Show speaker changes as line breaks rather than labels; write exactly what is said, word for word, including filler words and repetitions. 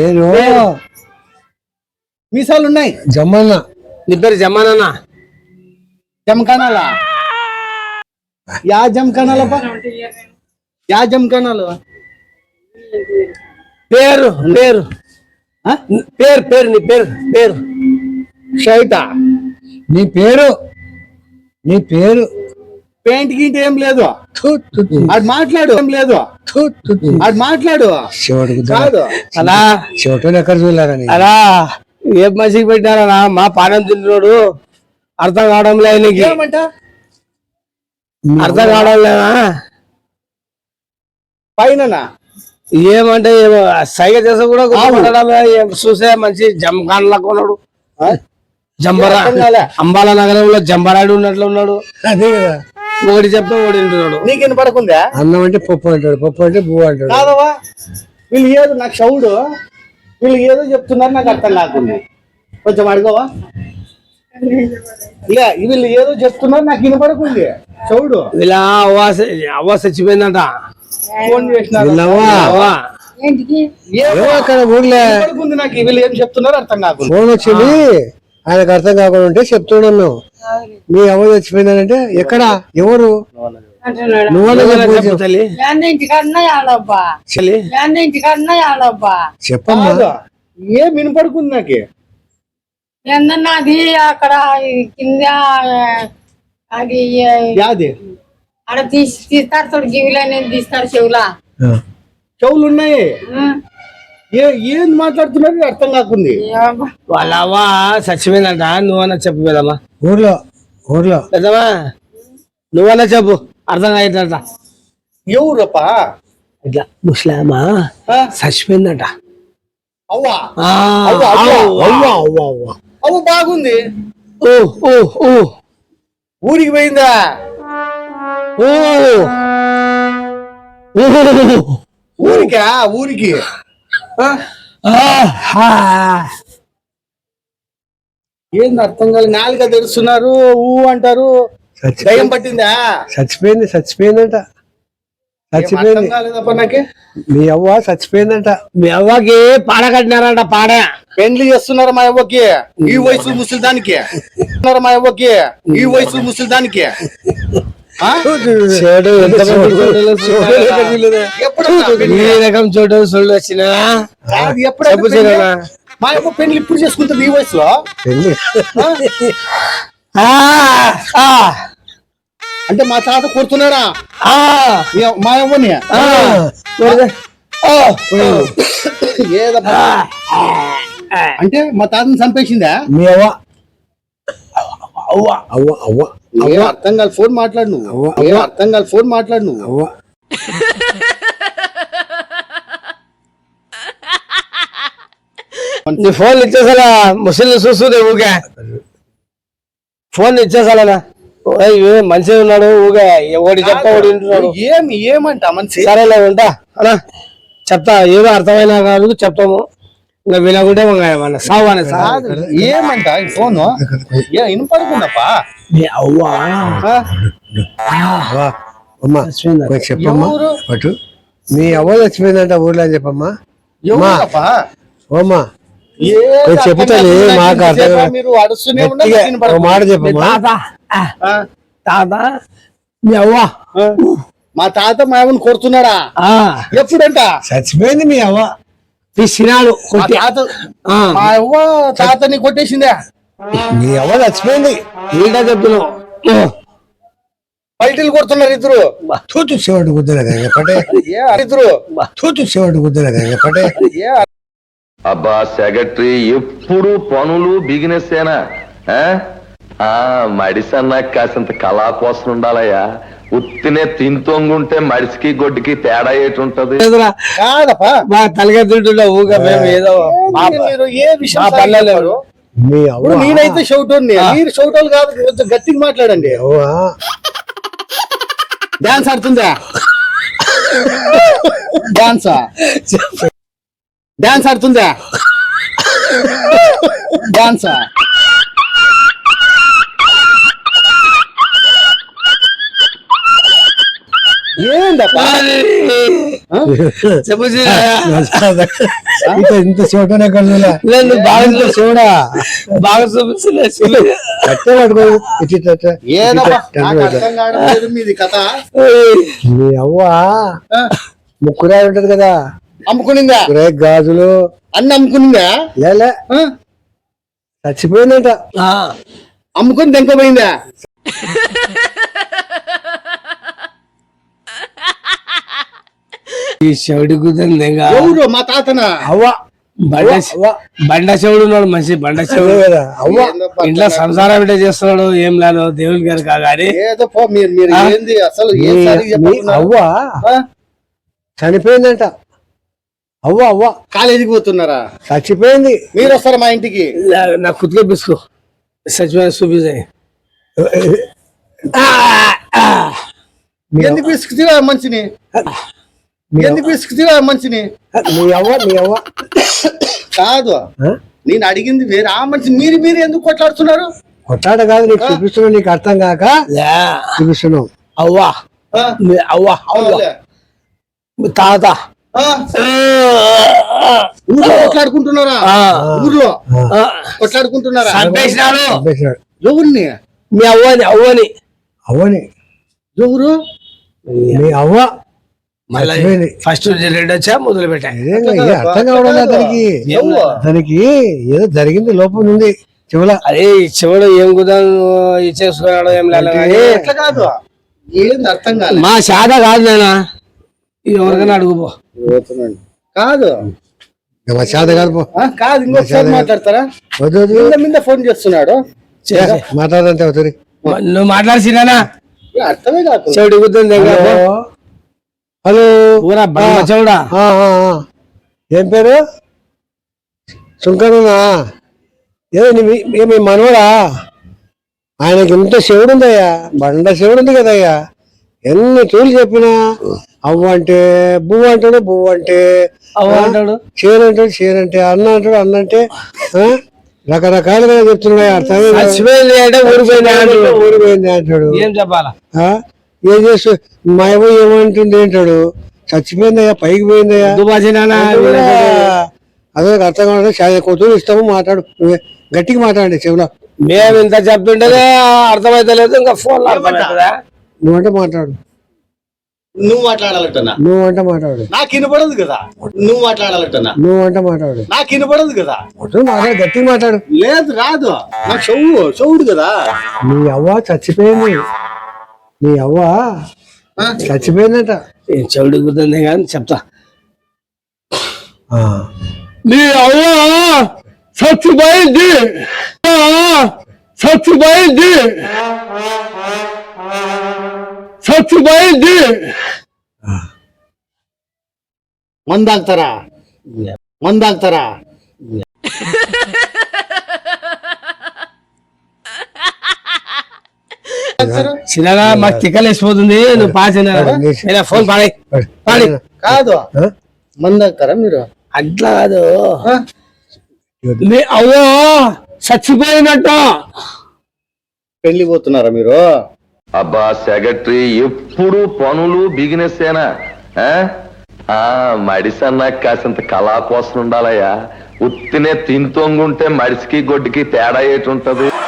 పేరు
మీసాలు ఉన్నాయి.
జమ్మన్న.
నీ పేరు జమానా?
జమకానాలా? యా జమకానాల యా జమకానాలు
పేరు పేరు పేరు పేరు నీ పేరు పేరు షైతా.
నీ పేరు నీ పేరు
పెయింట్ గింటి ఏం లేదు. అది మాట్లాడు. ఏం లేదు అది మాట్లాడు. కాదు
అలా
చెవటోలు ఎక్కడ చూడాలని
అలా ఏ మనిషికి పెట్టారా? మా పానం తింటున్నాడు, అర్థం కావడం లేదు నీకు.
ఏమంట
అర్థం కావడం లేదా?
పైన
ఏమంటే ఏమో సైగ చేసా కూడా చూసే మంచి జంకాన్ లాగా ఉన్నాడు. జంబరా అంబాల నగరంలో జంబరాడు ఉన్నట్లు ఉన్నాడు.
అదే కదా,
ఒకటి చెప్తా ఒకటి వింటున్నాడు.
నీకు వినపడకుందా?
అన్నం అంటే పప్పు అంటాడు, పప్పు అంటే పువ్వు అంటాడు.
కాదవా వీళ్ళు ఏదో నాకు షౌడు వీళ్ళు ఏదో చెప్తున్నారు, నాకు అర్థం కాకుండా. కొంచెం అడగవా? లే వీళ్ళు ఏదో చెప్తున్నారు, నాకు వినపడకుంది. చౌడు
ఇలా అవ్వ అవ్వ చచ్చిపోయిందంట.
ఫోన్ చేసినారు.
అక్కడ ఊర్లే
నాకు వీళ్ళు ఏం చెప్తున్నారు అర్థం కాకుండా.
ఫోన్ వచ్చింది, ఆయనకు అర్థం కాకుండా ఉంటే చెప్తున్నాం మేము. మీ అవ్వ చచ్చిపోయిందంటే ఎక్కడ ఎవరు చెప్పమ్మా.
ఏం వినపడుకుంది నాకు.
ఏందన్నది అక్కడ కింద అది
యాది
ఆడ తీసి తీస్తారు చూడు, గివిలో అనేది తీస్తారు చెవులా.
చెవులు ఉన్నాయి. ఏ ఏం మాట్లాడుతున్నారు అర్థం కాకుంది.
వాళ్ళ అవ్వ చచ్చిపోయిందంట. నువ్వన్నా చెప్పు పెదమ్మా.
ఊర్లో ఊర్లో
పెద్దమ్మా నువ్వన్నా చెప్పు, అర్థం కాయట.
ఎవరప్పా?
ఇట్లా ముస్లామా చచ్చిపోయిందంట.
అవ్వా
అవ్వ అవ్వ అవ్వ
అవ్వ బాగుంది.
ఓ ఓ ఓ
ఊరికి పోయిందా?
ఓ
ఊరికా? ఊరికి ఏంది అర్థం కాదు. నాలుగా తెరుస్తున్నారు, ఊ అంటారు. దయ్యం పట్టిందా?
చచ్చిపోయింది చచ్చిపోయిందంట చచ్చిపోయింది
కాలేదప్ప నాకే.
మీ అవ్వ చచ్చిపోయిందంట.
మీ అవ్వకి పాడ కట్టినారంట. పాడ
పెండ్లి చేస్తున్నారు మా అవ్వకి ఈ వయసు ముసలి దానికి. మా అవ్వకి ఈ వయసు ముసలి దానికి.
ఈ రకం చోటు సొల్లు వచ్చినా
ఎప్పుడు మా అవ్వ పెళ్లి ఇప్పుడు చేసుకుంటుంది ఈ వయసులో. అంటే మా తాత కొడుతున్నాడా మా అవ్వని? ఏదబ్బా అంటే మా తాతని చంపేసిందా?
మీ అవ్వ అవ్వ అవ్వ అవ్వ
ఏం అర్థం కాదు. ఫోన్ మాట్లాడు నువ్వు. ఏం అర్థం కాదు. ఫోన్ మాట్లాడు నువ్వు.
అవ్వ
నీ ఫోన్ ఇచ్చేసాలా? ముసలి చూస్తుంది ఊగా ఫోన్ ఇచ్చేసాలనా? మంచిగా ఉన్నాడు ఊగా ఒకటి చెప్తా ఒకటి వింటున్నాడు.
ఏమి ఏమంట మనిషి?
సరేలే ఉంటా అనా చెప్తా. ఏదో అర్థమైనా కాదు చెప్తాము. ఇంకా వినకుంటే సావు అనే సార్
ఏమంట ఫోన్ వినపడుకుందప్పా.
అమ్మా చెప్పమ్మా. అటు మీ అవ్వ చచ్చిపోయిందంట ఊర్లో అని చెప్పమ్మా. ఓమ్మా చెప్తాను. మాకు అర్థం
మీరు అడుస్తూనే
మాట చెప్పమ్మా.
తాత మీ అవ్వ
మా తాత మా అవ్వని కొడుతున్నాడా? ఎప్పుడంట
చచ్చిపోయింది మీ అవ్వ.
తీసినాడు
మా అవ్వ తాతని కొట్టేసిందా?
మీ అవ్వ చచ్చిపోయింది.
ఏంటో చెప్తున్నావు.
పల్టీలు కొడుతున్నారు ఇద్దరు.
తూచు శివుడు గుద్దలేదు
ఇద్దరు.
తూచు శివుడు గుద్దలేదు పడే.
అబ్బా సెక్రటరీ ఎప్పుడు పనులు బిజినెస్ ఏనా? మడిసన్నా కాసింత కళా కోసం ఉండాలయ్యా. ఉత్తినే తింతొంగుంటే మడిసికి గొడ్డుకి తేడా ఏటి ఉంటది?
కాదప్పా
మా తలగా తింటున్నా ఊగా మేము ఏదో
ఏ విషయం పర్లేదు. నేనైతే షౌటోని, మీరు షౌటోలు కాదు. కొంచెం గట్టిగా మాట్లాడండి. డాన్స్ ఆడుతుందా? డాన్సా? డాన్స్ ఆడుతుందా? డాన్సా? ఏందప్పా
చెప్పు సీనయ్య.
ఇంత ఇంత చూడనే కలుగులా
లేదు, నువ్వు బాగా
ఇంత చూడా
బాగా చూపిస్తున్నా సీనయ్య.
కట్టే పట్టుకో ఇటు ఇటు అట్ట.
ఏదప్పా నాకు అర్థం కావడం లేదు మీది కథ.
మీ అవ్వ
ఆ,
ముక్కురాయి ఉంటది కదా,
అమ్ముకునిందా
ముక్కురాయి గాజులు
అన్ని అమ్ముకునిందా?
లేలే
ఆ,
చచ్చిపోయిందంట.
ఆ,
అమ్ముకుని తెంకపోయిందా?
ఈ చెవిడి కుదిరింది ఇంకా
ఎవరు మా తాతనా?
అవ్వ
బండ
అవ్వ
బండ చెవుడు ఉన్నాడు, మంచి బండ
అదే
చెవుడు.
కదా అవ్వ.
ఏందప్పా
ఇంట్లో సంసారం ఇట్లా చేస్తున్నాడు, ఏం లేదు దేవుని గారు కాగాని.
ఏదో పో మీరు మీరు
ఆ?
ఏంది అసలు ఏం
మీ-
సరిగ్గా
మీ
చెప్పుకున్నారు?
అవ్వ
ఆ?
చనిపోయిందంట. అవ్వ అవ్వ
కాలేజీకి పోతున్నారా?
చచ్చిపోయింది.
మీరు వస్తారా మా ఇంటికి?
నా- నా కుతుకే బిస్కో సచివాలయం చూపించాయి.
మీ
ఎందుకు పిసుకుతీరా మనిషిని?
మీ
ఎందుకు పిసుకుతీరా మనిషిని?
మీ అవ్వ మీ అవ్వ
కాదు,
ఆ?
నేను అడిగింది వేరే. ఆ మనిషి మీరు మీరు ఎందుకు కొట్లాడుతున్నారు?
కొట్టాడ కాదు, నీకు చూపిస్తున్నావు, నీకు అర్థం కాక
లే,
చూపిస్తున్నావు.
అవ్వా
ఆ?
మీ అవ్వ అవ్వ
అవునులే.
మీ తాత
ఆ? ఊర్లో కొట్లాడుకుంటున్నారా?
ఆ,
ఊర్లో
ఆ,
కొట్లాడుకుంటున్నారా?
చంపేసినాడు
చంపేసినాడు.
ఎవరిని?
మీ అవ్వని అవ్వని
అవ్వని
ఎవరు?
మీ అవ్వ
మళ్ళీ
చచ్చిపోయింది.
ఫస్ట్ రెండు వచ్చా మొదలు పెట్టా.
నిజంగా ఇది అర్థం కావడం లేదు అతనికి.
ఎవరు?
అతనికి ఏదో జరిగింది, లోపం ఉంది చెవుల.
అరే ఈ చెవుడు ఏం కుదా ఇచ్చేసుకున్నాడు, ఏం లేదు కానీ
ఎట్లా కాదు, ఏంది అర్థం కాదు.
మా శాత కాదు నాయనా, ఎవరికైనా అడుగుపో.
కాదు
మా చేత కాదు పో.
ఆ, కాదు ఇంకొకసారి మాట్లాడతారా?
వద్దు వద్దు.
మీద మీద ఫోన్ చేస్తున్నాడు.
మాట్లాడంతే అవుతుంది.
నువ్వు మాట్లాడిసినా
ఏ అర్థమే కాదు.
చెవుడు కుదుంది
హలో హలో.
ఊరా బండ చెవుడా.
ఆ, ఆ, ఆ. ఏం పేరు? సుంకరునా? ఏదో నీ మీ- ఏ మీ మనవడా? ఆయనకి ఇంత శివుడు ఉందయ్యా, బండ శివుడు ఉంది కదయ్యా. ఎన్ని తూలు చెప్పినా అవ్వ అంటే బువ్వ అంటాడు, బువ్వ అంటే
అవ్వ అంటాడు,
చీర అంటాడు, చీర అంటే అన్న అంటాడు, అన్న అంటే ఆ? రకరకాలుగా చెప్తున్నాడు. అర్థమే కాదు.
చచ్చిపోయింది అంటే ఊరిపోయింది అంటాడు.
ఊరిపోయింది అంటాడు.
ఏం చెప్పాలా?
ఆ? ఏం చేస్తూ మా అవ్వ ఏమంటుంది అంటాడు. చచ్చిపోయిందయ్యా, పైకి పోయిందయ్యా.
దుబాసినా
అదే అర్థం కావాలి. కొత్తూరు ఇస్తాము, మాట్లాడు, నువ్వే గట్టిగా మాట్లాడండి చెవులో.
మేము ఇంత చెప్తుంటే అర్థమైతలేదు, ఇంకా ఫోన్ లో అర్థమవుతుందా?
నువ్వంటే మాట్లాడు,
నువ్వు మాట్లాడాలంటున్నా,
నువ్వంటే మాట్లాడు,
నాకు వినపడదు కదా. నువ్వు మాట్లాడాలంటున్నా,
నువ్వంటే మాట్లాడు.
నాకు వినపడదు కదా.
కొత్తూరు మాట్లాడు, గట్టిగా మాట్లాడు.
లేదు రాదు, నాకు చెవు చెవుడు కదా.
నీ అవ్వ చచ్చిపోయింది, నీ అవ్వ
ఆ?
చచ్చిపోయిందట.
చెవుడు కుదుంది కానీ చెప్తా.
ఆ.
నీ అవ్వ చచ్చిపోయింది, చచ్చిపోయింది, చచ్చిపోయింది.
మందాగుతారా? మందాగుతారా?
చిన్నగా మాకు తిక్కలేసిపోతుంది, నువ్వు పాచిన ఫోన్ పాడే పాడి.
కాదు,
ఆ?
మందాగుతారా మీరు?
అట్లా కాదు,
ఆ?
మీ అవ్వ చచ్చిపోయినట్టు.
పెళ్లి పోతున్నారా మీరు?
అబ్బా సెక్రటరీ ఎప్పుడు పనులు బిజినెస్ ఏనా? ఆ? ఆ, మడిసన్నా కాసింత కళా కోసం ఉండాలయ్యా. ఉత్తినే తింతొంగుంటే మడిసికి గొడ్డుకి తేడా ఏటుంటది?